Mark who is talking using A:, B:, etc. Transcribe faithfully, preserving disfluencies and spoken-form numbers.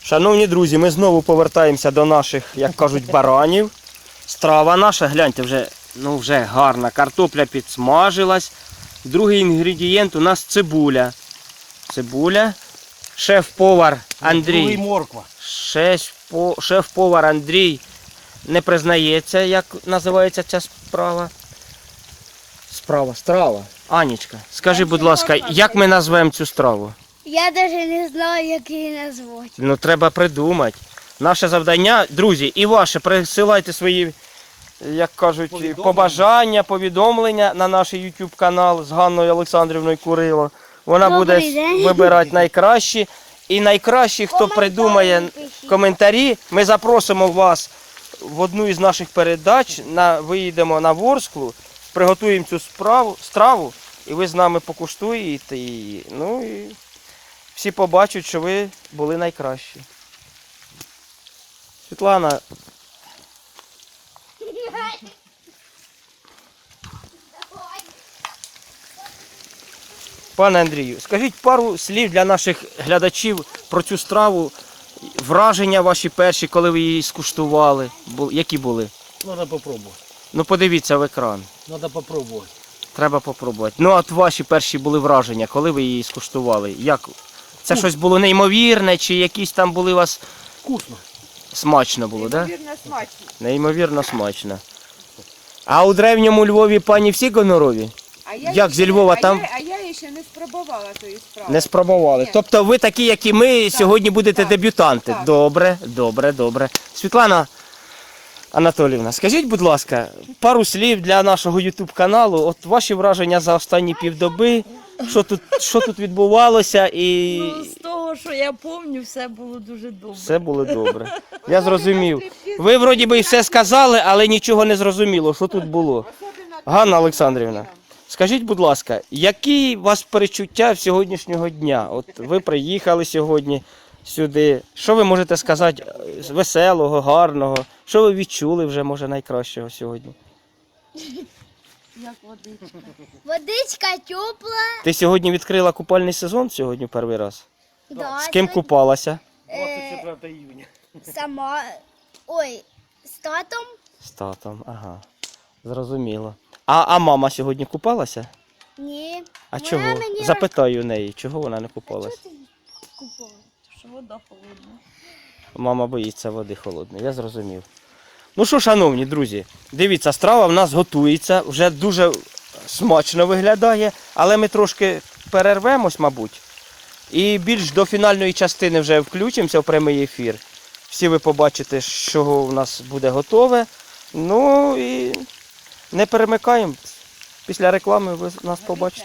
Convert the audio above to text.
A: Шановні друзі, ми знову повертаємося до наших, як кажуть, баранів. Страва наша, гляньте, вже, ну, вже гарна. Картопля підсмажилась. Другий інгредієнт у нас цибуля. Цибуля. Шеф-повар Андрій.
B: Морква.
A: Шеф-по- Шеф-повар Андрій не признається, як називається ця справа. Справа, страва. Анічка, скажи, будь ласка, як ми назвемо цю страву?
C: Я навіть не знаю, як її назвати.
A: Ну, треба придумати. Наше завдання, друзі, і ваше, присилайте свої, як кажуть,
B: Повідомлення.
A: побажання, повідомлення на наш YouTube канал з Ганною Олександрівною Курило. Вона
C: Добрий
A: буде
C: день.
A: вибирати найкращі. І найкращі, хто
C: Коментарі
A: придумає
C: пишіть.
A: коментарі, ми запросимо вас в одну із наших передач, на, виїдемо на Ворсклу, приготуємо цю справу, страву, і ви з нами покуштуєте її. Ну і всі побачать, що ви були найкращі. Світлана, пане Андрію, скажіть пару слів для наших глядачів про цю страву, враження ваші перші, коли ви її скуштували, Бу- які були?
B: Надо попробувати.
A: Ну подивіться в екран,
B: Надо попробувати.
A: треба попробувати. Ну от ваші перші були враження, коли ви її скуштували? Як? Це щось було неймовірне, чи якісь там були у вас
B: Вкусно.
A: смачно було, так? Да?
D: Неймовірно смачно.
A: Неймовірно смачно. А у древньому Львові пані всі гонорові?
D: А я
A: Як
D: ще-
A: зі Львова
D: а
A: там?
D: Я, а я ще не спробувала тої справи.
A: Не спробували.
D: Ні.
A: Тобто ви такі, як і ми, сьогодні будете
D: так,
A: дебютанти.
D: так.
A: Добре, добре, добре. Світлана Анатоліївна, скажіть, будь ласка, пару слів для нашого YouTube каналу. От ваші враження за останні півдоби. Що тут, що тут відбувалося і
E: Ну, з того, що я пам'ятаю, все було дуже добре.
A: все було добре. Я зрозумів. Ви вроді би і все сказали, але нічого не зрозуміло, що тут було. Ганна Олександрівна, скажіть, будь ласка, які у вас перечуття в сьогоднішнього дня? От ви приїхали сьогодні сюди. Що ви можете сказати е, веселого, гарного? Що ви відчули вже, може, найкращого сьогодні?
E: Як водичка.
C: Водичка тепла.
A: Ти сьогодні відкрила купальний сезон сьогодні перший раз?
C: Да,
A: З ким
C: сьогодні,
A: купалася?
C: е,
B: двадцять четвертого июня.
C: Сама. Ой, з татом.
A: З татом, ага. Зрозуміло. А, а мама сьогодні купалася?
C: Ні.
A: А
C: Вона
A: чого?
C: мені
A: Запитаю у неї, чого вона не купалася?
C: купила.
E: Що вода холодна.
A: Мама боїться води холодної, я зрозумів. Ну що, шановні друзі, дивіться, страва в нас готується, вже дуже смачно виглядає, але ми трошки перервемось, мабуть. І більш до фінальної частини вже включимося в прямий ефір. Всі ви побачите, що в нас буде готове. Ну і не перемикаємо. Після реклами ви нас побачите.